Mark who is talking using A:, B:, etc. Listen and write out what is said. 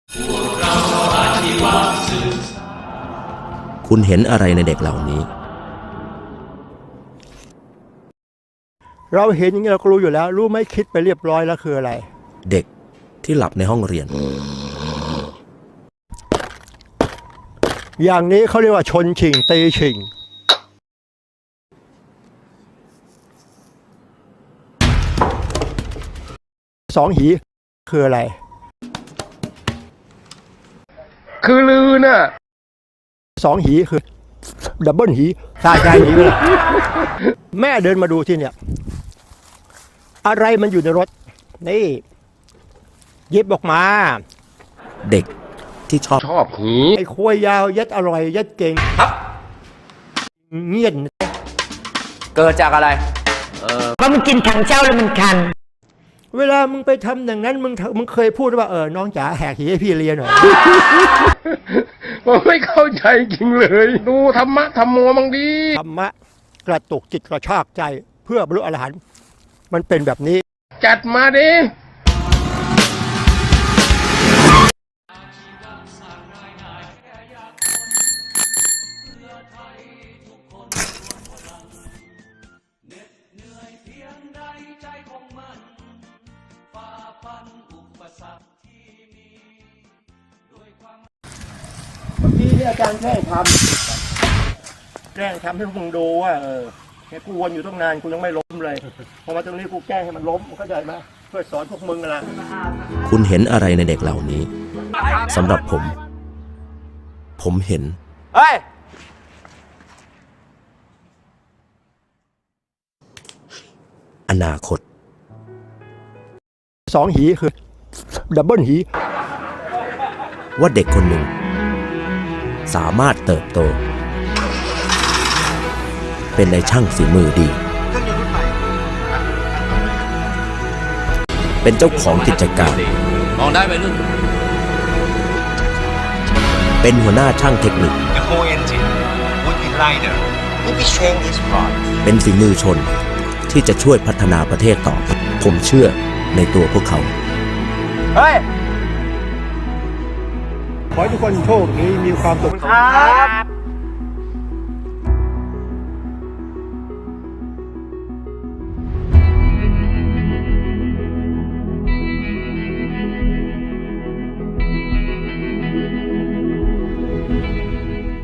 A: คุณเห็นอะไรในเด็กเหล่านี้
B: เราเห็นอย่างนี้เราก็รู้อยู่แล้วรู้ไหมคิดไปเรียบร้อยแล้วคืออะไร
A: เด็กที่หลับในห้องเรียน
B: อย่างนี้เขาเรียกว่าชนชิงตีชิงสองหีคืออะไร
C: คือลือน่ะ
B: สองหีคือดับเบิลหีตายใจหีเลยแม่เดินมาดูที่เนี่ยอะไรมันอยู่ในรถนี่หยิบออกมา
A: เด็กที่ช
C: อบหี
B: ไอ้ควยยาวยัดอร่อยยัดเก่งเงียบ
D: เกิดจากอะไร
E: เพราะมันกินถังเจ้าแล้วมันคัน
B: เวลามึงไปทำอย่างนั้นมึงเคยพูดว่าน้องจ๋าแหกหีให้พี่เรียนหน่อย
C: ผมไม่เข้าใจจริงเลยดูธรรมะธรรมโมมังดี
B: ธรรมะกระตุกจิตกระชากใจเพื่อบรรลุอรหันต์มันเป็นแบบนี้
C: จัดมาดิ
B: เมื่อกี้เนี่ยอาจารย์แกล้งทำให้พวกมึงดูว่าแกกูวนอยู่ตั้งนานกูยังไม่ล้มเลยพอมาตรงนี้กูแกล้งให้มันล้มเข้าใจไหมเพื่อสอนพวกมึงนะ
A: คุณเห็นอะไรในเด็กเหล่านี้สำหรับผมเห็นอนาคต
B: สองหีคือดับเบิลหี
A: ว่าเด็กคนหนึ่งสามารถเติบโตเป็นนายช่างฝีมือดีเป็นเจ้าของกิจการ
D: มองได้ไหมรุ่น
A: เป็นหัวหน้าช่างเทคนิคเป็นฝีมือชนที่จะช่วยพัฒนาประเทศต่อผมเชื่อในตัวพวกเขา
B: ขอให้ทุกคนโชคดีมีความสุขครับ